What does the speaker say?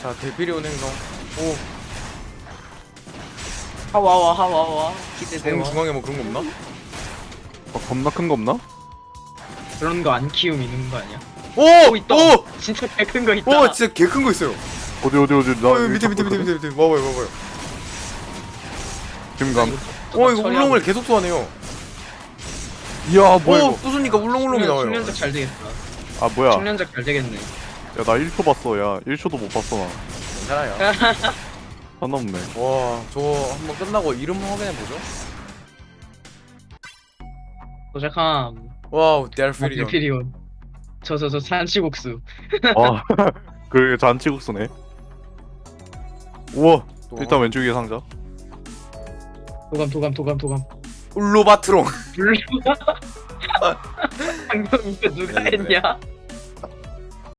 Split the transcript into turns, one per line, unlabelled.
자, 데피리온 행성. 오,
하와와 기대돼요.
중앙에 뭐 그런 거 없나?
겁나 큰 거 없나?
그런 거 안 키우면 있는 거 아니야?
오!
있다.
오!
진짜 개 큰 거 있다.
오, 진짜 개 큰 거 있어요.
어디 나
어, 밑에. 봐봐요.
김감.
오, 이거 울렁을 계속 소환해요.
이야 뭐야
오,
이거.
부수니까 울렁울렁이 나와요.
숙련작 잘 되겠다.
아 뭐야.
숙련작 잘 되겠네.
야 나 1초 봤어. 야 1초도 못 봤어 나.
괜찮아요.
하나 없네.
와, 저 한번 끝나고 이름 확인해 보죠.
도착함.
와우, 데피리온.
데피리온. 저 산치국수.
아 그게 잔치국수네. 우와.
또
일단 왼쪽 위에 상자.
도감.
울로바트롱.
물론. 방금 이거 누가
네, 네.
했냐?